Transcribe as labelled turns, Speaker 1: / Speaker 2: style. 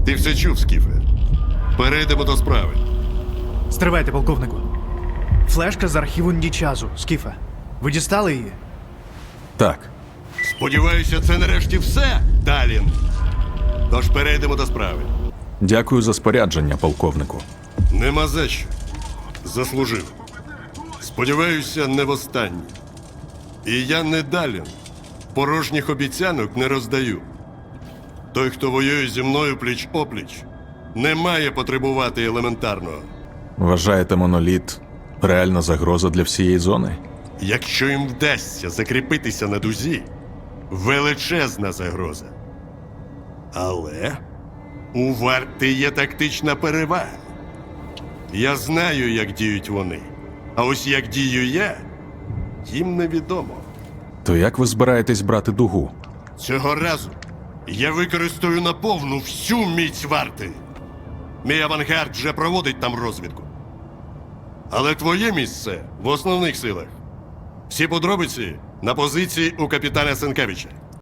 Speaker 1: Ти все чув, Скіфе. Перейдемо до справи.
Speaker 2: Стривайте, полковнику. Флешка з архіву Нічазу, Скіфе. Ви дістали її?
Speaker 3: Так.
Speaker 1: Сподіваюся, це нарешті все, Далін. Тож перейдемо до справи.
Speaker 3: Дякую за спорядження, полковнику.
Speaker 1: Нема за що. Заслужив. Сподіваюся, не востаннє. І я не Далін. Порожніх обіцянок не роздаю. Той, хто воює зі мною пліч-опліч, не має потребувати елементарного.
Speaker 3: Вважаєте, моноліт реальна загроза для всієї зони?
Speaker 1: Якщо їм вдасться закріпитися на дузі, величезна загроза. Але у варти є тактична перевага. Я знаю, як діють вони. А ось як дію я, їм невідомо.
Speaker 3: То як ви збираєтесь брати дугу?
Speaker 1: Цього разу я використаю наповну всю міць варти. Мій авангард вже проводить там розвідку. Але твоє місце в основних силах. Всі подробиці на позиції у капітана Сенкевича.